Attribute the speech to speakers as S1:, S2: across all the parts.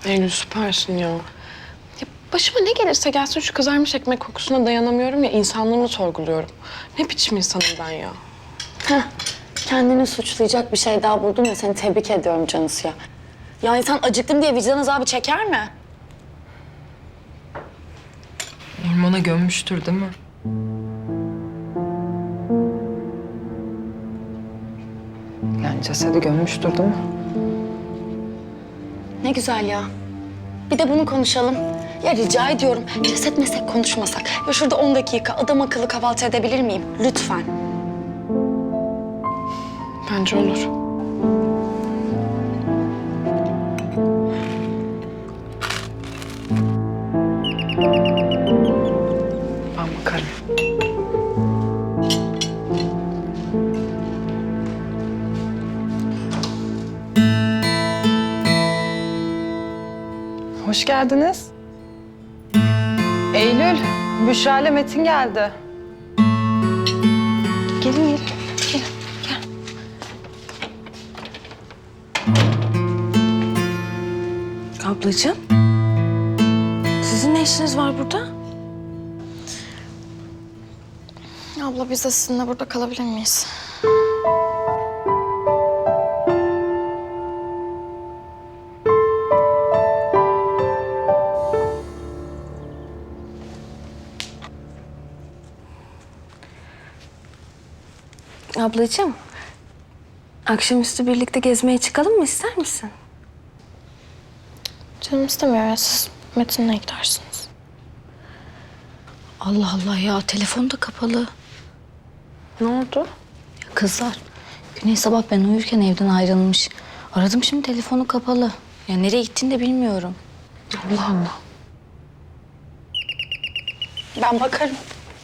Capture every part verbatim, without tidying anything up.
S1: Eylül süpersin ya. Ya başıma ne gelirse gelsin şu kızarmış ekmek kokusuna dayanamıyorum ya, insanlığımı sorguluyorum. Ne biçim insanım ben ya?
S2: Heh, kendini suçlayacak bir şey daha buldun ya, seni tebrik ediyorum Canısı ya. Ya insan acıktım diye vicdan azabı çeker mi?
S3: Ormana gömmüştür değil mi? Yani cesedi gömmüştür değil mi?
S2: Ne güzel ya. Bir de bunu konuşalım. Ya rica ediyorum, ceset meslek konuşmasak. Ya şurada on dakika adam akıllı kahvaltı edebilir miyim? Lütfen.
S1: Bence olur.
S3: Ben bakarım. Hoş geldiniz. Eylül, Büşra ile Metin geldi.
S1: Gelin gelin. Gelin gel.
S2: Ablacığım, sizin ne işiniz var burada?
S4: Abla biz de sizinle burada kalabilir miyiz?
S2: Ablacığım, akşamüstü birlikte gezmeye çıkalım mı, ister misin?
S4: Canım istemiyor ya, siz Metin'le gidersiniz.
S2: Allah Allah ya, telefon da kapalı.
S1: Ne oldu?
S2: Kızlar, Güney sabah ben uyurken evden ayrılmış. Aradım, şimdi telefonu kapalı. Ya nereye gittiğini de bilmiyorum.
S1: Allah Allah.
S2: Ben bakarım.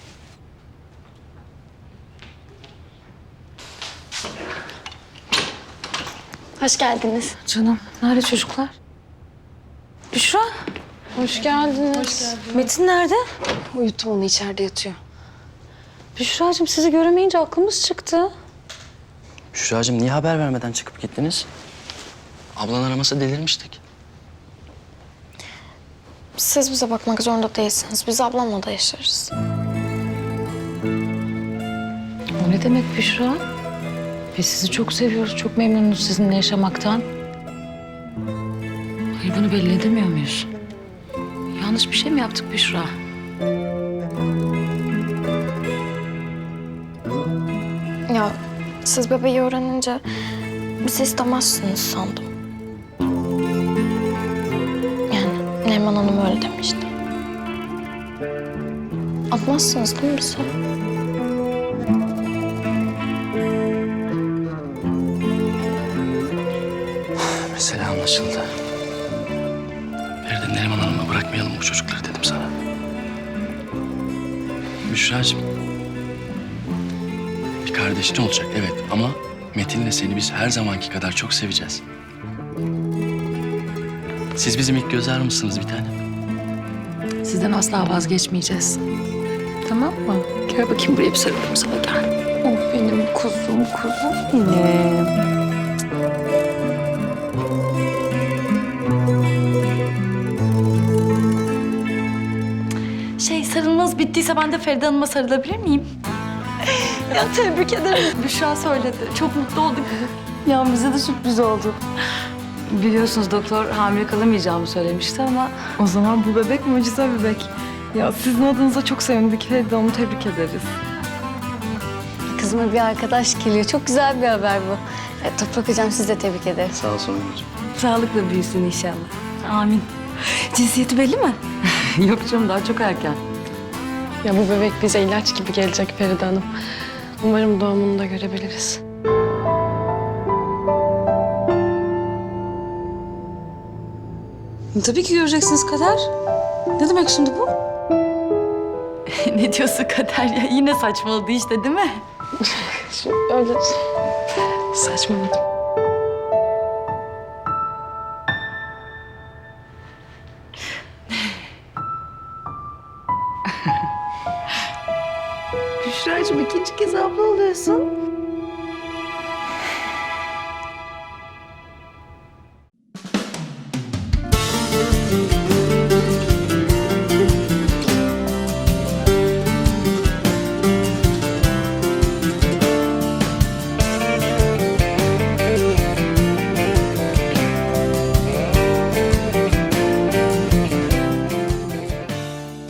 S2: Hoş geldiniz.
S3: Canım, nerede çocuklar?
S2: Büşra,
S1: Hoş geldiniz.
S2: Metin nerede?
S1: Uyuttum onu, içeride yatıyor.
S2: Büşra'cığım, sizi göremeyince aklımız çıktı.
S5: Büşra'cığım niye haber vermeden çıkıp gittiniz? Ablan aramasa delirmiştik.
S4: Siz bize bakmak zorunda değilsiniz. Biz ablamla da yaşarız.
S6: O ne demek Büşra? Biz sizi çok seviyoruz, çok memnunuz sizinle yaşamaktan. Hayır, bunu belli edemiyor muyuz? Yanlış bir şey mi yaptık Büşra?
S4: Ya siz bebeği öğrenince bizi istemezsiniz sandım. Yani Neriman Hanım öyle demişti. Atmazsınız değil mi bizi?
S5: Mesele anlaşıldı. Feride, Neriman Hanım'a bırakmayalım bu çocukları dedim sana. Büşra'cığım. Bir kardeşin olacak evet ama Metin'le seni biz her zamanki kadar çok seveceğiz. Siz bizim ilk göz ağrımızsınız bir tanem.
S6: Sizden asla vazgeçmeyeceğiz. Tamam mı? Gel bakayım buraya, bir sarılayım sana, gel.
S2: Oh benim kuzum, kuzum benim. Şey, sarılmanız bittiyse ben de Feride Hanım'a sarılabilir miyim? Ya tebrik ederim. Büşra söyledi. Çok mutlu olduk. Ya bize de sürpriz oldu.
S6: Biliyorsunuz doktor hamile kalamayacağımı söylemişti ama...
S3: O zaman bu bebek mucize bebek. Ya sizin adınıza çok sevindik. Feride Hanım'ı tebrik ederiz.
S2: Kızıma bir arkadaş geliyor. Çok güzel bir haber bu. E, Toprak Hocam, siz de tebrik ederim.
S5: Sağ ol Songül'cüğüm.
S6: Sağlıkla büyüsün inşallah.
S2: Amin. Cinsiyeti belli mi?
S6: Yok canım, daha çok erken.
S1: Ya bu bebek bize ilaç gibi gelecek Feride Hanım. Umarım doğumunu da görebiliriz.
S2: Tabii ki göreceksiniz Kader. Ne demek şimdi bu?
S6: Ne diyorsun Kader ya? Yine saçmaladı işte, değil mi?
S1: Şu öyle saçmaladım.
S6: Büşra'cığım, ikinci kez abla oluyorsun.